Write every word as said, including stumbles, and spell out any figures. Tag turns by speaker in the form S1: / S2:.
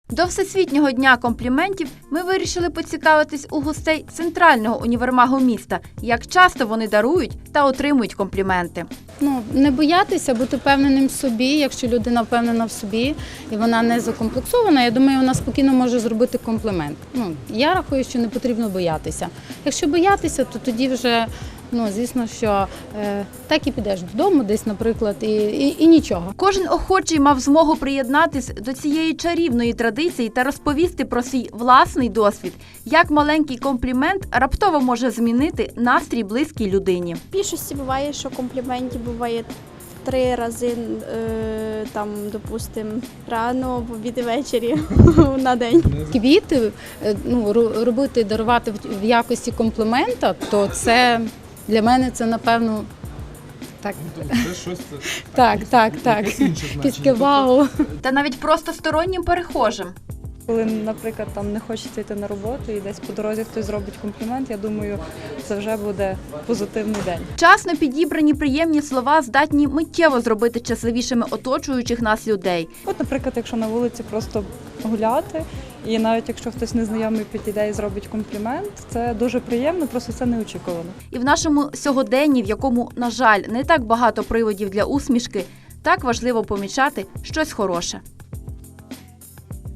S1: До Всесвітнього дня компліментів ми вирішили поцікавитись у гостей центрального універмагу міста, як часто вони дарують та отримують компліменти.
S2: Ну, не боятися, бути впевненим в собі. Якщо людина впевнена в собі і вона не закомплексована, я думаю, вона спокійно може зробити комплімент. Ну, я рахую, що не потрібно боятися. Якщо боятися, то тоді вже, ну, звісно, що е, так і підеш додому десь, наприклад, і, і, і нічого.
S1: Кожен охочий мав змогу приєднатись до цієї чарівної традиції та розповісти про свій власний досвід, як маленький комплімент раптово може змінити настрій близькій людині.
S3: В більшості буває, що компліментів буває три рази, е, там, допустимо, рано, в обід і ввечері на день.
S2: Квіти, е, ну, робити, дарувати в якості комплімента, то це для мене це, напевно, так,
S4: Це щось
S2: так, так, так.
S4: якесь інше значення.
S2: Таке вау.
S1: Та навіть просто стороннім перехожим.
S5: Коли, наприклад, там не хочеться йти на роботу і десь по дорозі хтось зробить комплімент, я думаю, це вже буде позитивний день.
S1: Вчасно підібрані приємні слова здатні миттєво зробити щасливішими оточуючих нас людей.
S5: От, наприклад, якщо на вулиці просто гуляти, і навіть якщо хтось незнайомий підійде і зробить комплімент, це дуже приємно, просто це неочікувано.
S1: І в нашому сьогоденні, в якому, на жаль, не так багато приводів для усмішки, так важливо помічати щось хороше.